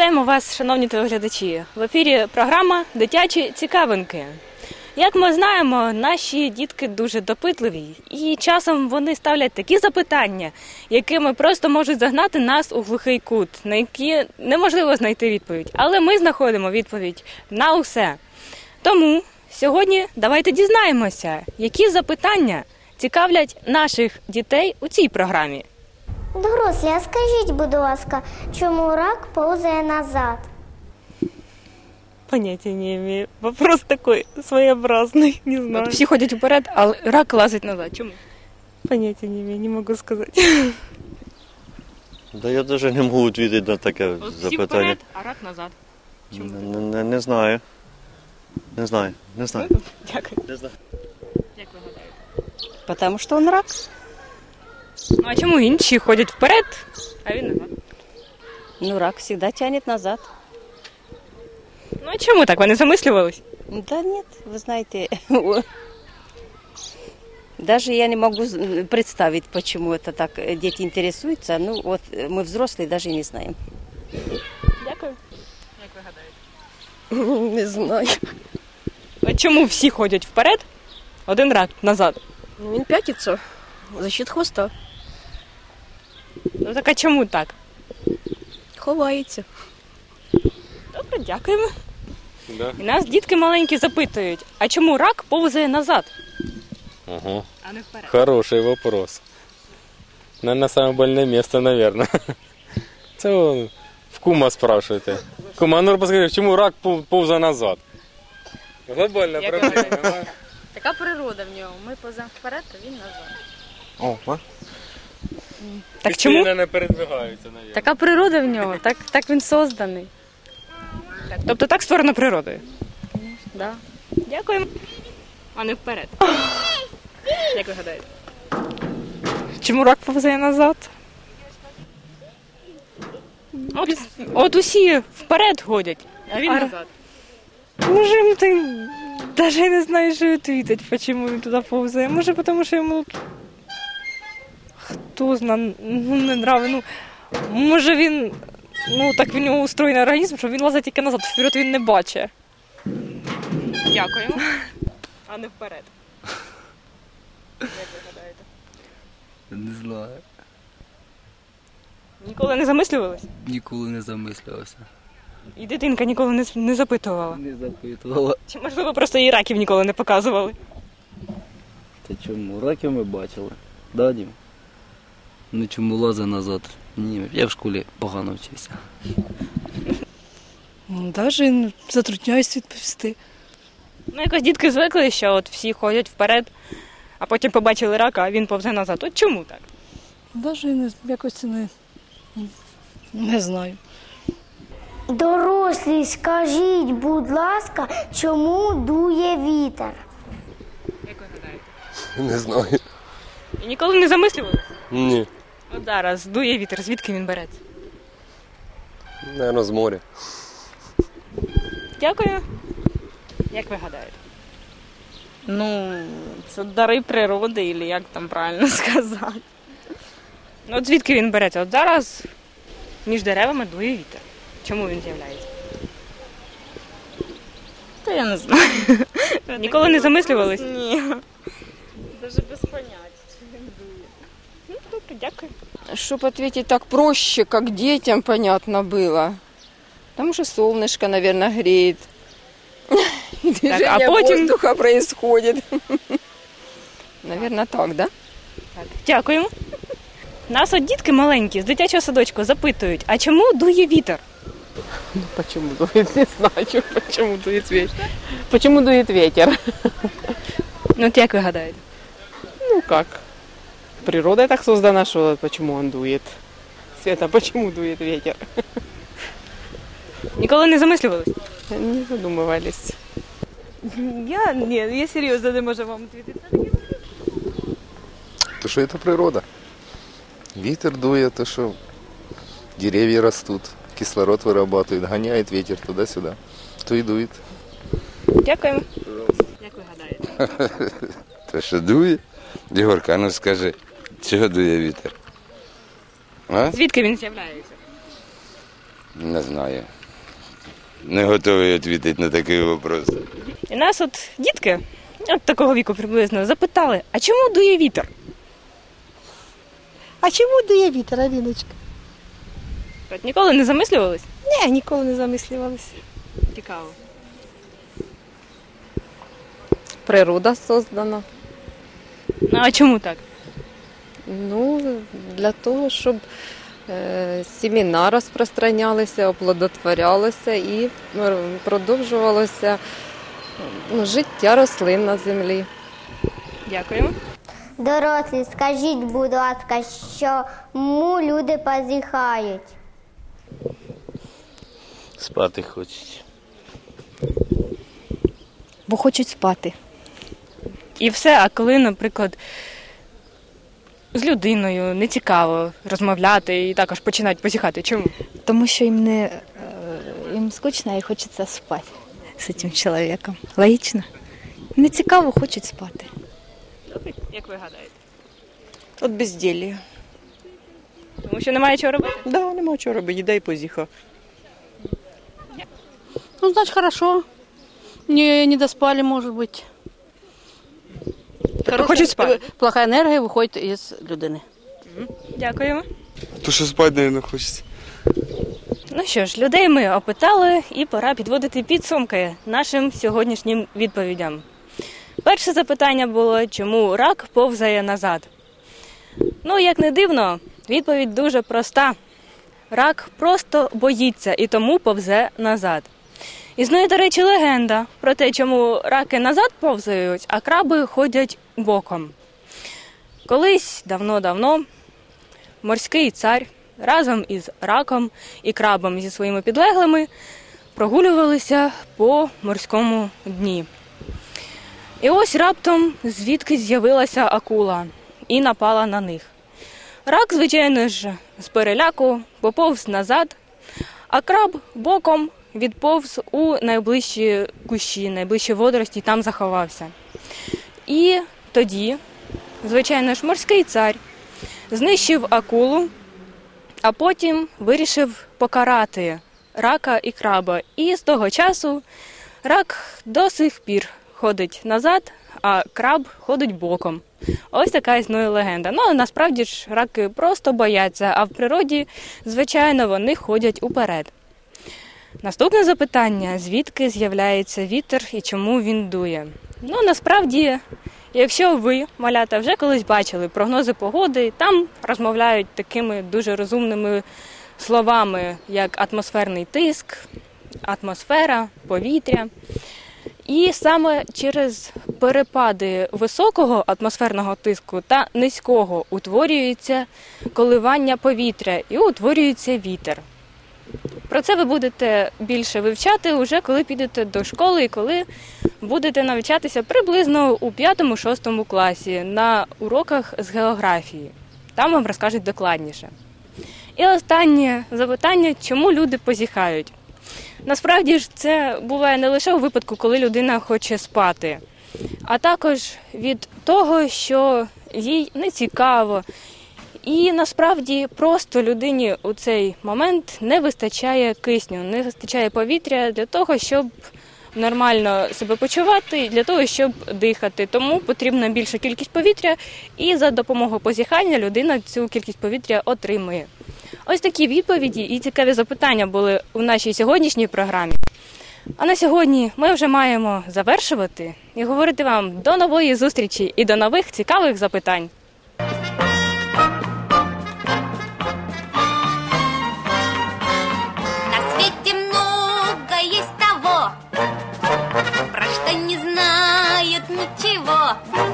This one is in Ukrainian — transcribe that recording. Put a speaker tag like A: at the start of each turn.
A: Вітаємо вас, шановні телеглядачі. В ефірі програма «Дитячі цікавинки». Як ми знаємо, наші дітки дуже допитливі, і часом вони ставлять такі запитання, якими просто можуть загнати нас у глухий кут, на які неможливо знайти відповідь. Але ми знаходимо відповідь на усе. Тому сьогодні давайте дізнаємося, які запитання цікавлять наших дітей у цій програмі.
B: Дорослі, а скажіть, будь ласка, чому рак повзає назад?
A: Понятия не имею. Вопрос такой своеобразный, не знаю. Всі ходять вперед, а рак лазить назад. Чому? Понятия не имею, не можу сказати.
C: Да я навіть не можу відповідати на таке
A: Всі
C: запитання.
A: вперед, а рак назад. Чому?
C: Не знаю. Не знаю.
A: Дякую.
C: Не знаю.
A: Як ви гадаєте?
D: Потому что он рак.
A: Ну а чому інші ходять вперед, а він назад?
D: Ну, рак всегда тянет назад.
A: Ну а чому так? Вони замислювались?
D: Да нет, вы знаете, даже я не могу представить, почему это так дети интересуются. Ну, вот мы взрослые даже не знаем.
A: Дякую. Як ви гадаєте?
D: Не знаю.
A: А чому всі ходять вперед, один рак назад?
E: Він п'ятиться за счет хвоста.
A: Ну так а чому так?
E: Ховається.
A: Добре, дякуємо.
F: Да.
A: І нас дітки маленькі запитують, а чому рак повзає назад,
F: Ага.
A: а не вперед?
F: Хороший вопрос. Наверное, самое больное место, наверное. Це он в кума спрашиваєте. Кума, а ну розкажи, чому рак повзає назад? Глобальна
A: Як
F: проблема.
A: ви
G: Така природа в нього. Ми поза вперед, а він назад.
F: О,
A: Так чому?
F: не передвигаються, наверное.
G: Така природа в нього, так він созданий.
A: Тобто так створено природою?
G: Да.
A: Дякуємо. А не вперед. Як ви гадаєте? Чому рак повзає назад? От усі вперед ходять, а він назад. Може, ти навіть не знаєш, що відповідати, чому він туди повзає. Може, тому що йому хто знає, не нравиться. Може він, так в нього устроєний організм, що він лазить тільки назад, вперед він не бачить. Дякуємо. А не вперед. Як ви гадаєте?
H: Не знаю.
A: Ніколи не замислювались?
H: Ніколи не замислювався.
A: І дитинка ніколи не запитувала?
H: Не запитувала.
A: Чи, можливо, просто їй раків ніколи не показували?
H: Та чому? Раків ми бачили. Да, Дім? Ну чому лазить назад? Ні, я в школі погано вчився.
E: Навіть затрудняюсь відповісти.
A: Якось дітки звикли, що от всі ходять вперед, а потім побачили рака, а він повзе назад. От чому так?
E: Навіть якось не знаю.
B: Дорослі, скажіть, будь ласка, чому дує вітер?
A: Як ви гадаєте?
F: Не знаю.
A: І ніколи не замислювалися?
F: Ні.
A: От зараз дує вітер, звідки він береться?
F: Наверное, з моря.
A: Дякую. Як ви гадаєте?
G: Ну, це дари природи, або як там правильно сказати.
A: От звідки він береться? От зараз між деревами дує вітер. Чому він з'являється?
G: Та я не знаю.
A: Ніколи не замислювались?
G: Ні. Даже без поняття, чи він дує.
A: Добре, дякую.
I: Чтобы ответить так проще, как детям понятно было. Потому что солнышко, наверное, греет. И движение
A: а потім-
I: воздуха происходит. Наверное, так, да?
A: Так, дякуємо. Нас от дітки маленькі з дитячого садочку запитують, а чому дує вітер?
J: Почему дует? Не знаю, почему дует ветер. Почему дует ветер?
A: Ну от як ви гадаєте?
J: Ну как? Природа так создана, что почему он дует? Света, почему дует ветер?
A: Ніколи не замислювались?
J: Не задумывались.
A: Я серйозно не можу вам відповідати.
K: То, что это природа. Ветер дует, то, что деревья растут, кислород вырабатывает, гоняет ветер туда-сюда, то и дует.
A: Дякуємо. Як ви гадаєте?
L: То, що дує? Єгорка, ну скажи, чого дує вітер? А?
A: Звідки він з'являється?
L: Не знаю. Не готовий відповідати на такий вопрос.
A: І нас от дітки, от такого віку приблизно, запитали, а чому дує вітер?
M: А чому дує вітер, Аліночка?
A: От ніколи не замислювались?
M: Ні, ніколи не замислювалися.
A: Цікаво.
I: Природа создана.
A: Ну, а чому так?
I: Ну, для того, щоб сімена розпространялися, оплодотворялися і продовжувалося життя рослин на землі.
A: Дякуємо.
B: Дорослі, скажіть, будь ласка, чому люди позіхають?
H: Спати хочуть.
E: Бо хочуть спати.
A: І все, а коли, наприклад, з людиною не цікаво розмовляти і також починають позіхати, чому?
E: Тому що їм скучно і хочеться спати з цим чоловіком. Логічно? Не цікаво, хочуть спати.
A: Як ви гадаєте?
J: От безділля.
A: Тому що немає чого робити?
J: Да, нема чого робити, їда і позіха.
E: Ну, значить, хорошо. Не доспали, может быть.
A: Хочуть спати?
E: Плохая енергія виходить із людини.
A: Дякуємо.
N: То що спати, мабуть, хочеться.
A: Ну що ж, людей ми опитали і пора підводити підсумки нашим сьогоднішнім відповідям. Перше запитання було, чому рак повзає назад? Ну, як не дивно, відповідь дуже проста. Рак просто боїться і тому повзе назад. Існує, до речі, легенда про те, чому раки назад повзають, а краби ходять боком. Колись, давно-давно, морський цар разом із раком і крабом зі своїми підлеглими прогулювалися по морському дні. І ось раптом звідки з'явилася акула і напала на них. Рак, звичайно ж, з переляку поповз назад, а краб боком відповз у найближчі кущі, найближчі водорості, і там заховався. І тоді, звичайно ж, морський цар знищив акулу, а потім вирішив покарати рака і краба. І з того часу рак до сих пір ходить назад, а краб ходить боком. Ось така існує легенда. Ну, насправді ж раки просто бояться, а в природі, звичайно, вони ходять уперед. Наступне запитання – звідки з'являється вітер і чому він дує? Ну, насправді, якщо ви, малята, вже колись бачили прогнози погоди, там розмовляють такими дуже розумними словами, як атмосферний тиск, атмосфера, повітря. І саме через перепади високого атмосферного тиску та низького утворюється коливання повітря і утворюється вітер. Про це ви будете більше вивчати уже коли підете до школи і коли будете навчатися приблизно у 5-6 класі на уроках з географії. Там вам розкажуть докладніше. І останнє запитання, чому люди позіхають? Насправді ж це буває не лише у випадку, коли людина хоче спати, а також від того, що їй не цікаво. І насправді просто людині у цей момент не вистачає кисню, не вистачає повітря для того, щоб нормально себе почувати, для того, щоб дихати. Тому потрібна більша кількість повітря, і за допомогою позіхання людина цю кількість повітря отримує. Ось такі відповіді і цікаві запитання були у нашій сьогоднішній програмі. А на сьогодні ми вже маємо завершувати і говорити вам до нової зустрічі і до нових цікавих запитань.
O: На свете много есть того, про что не знают ничего.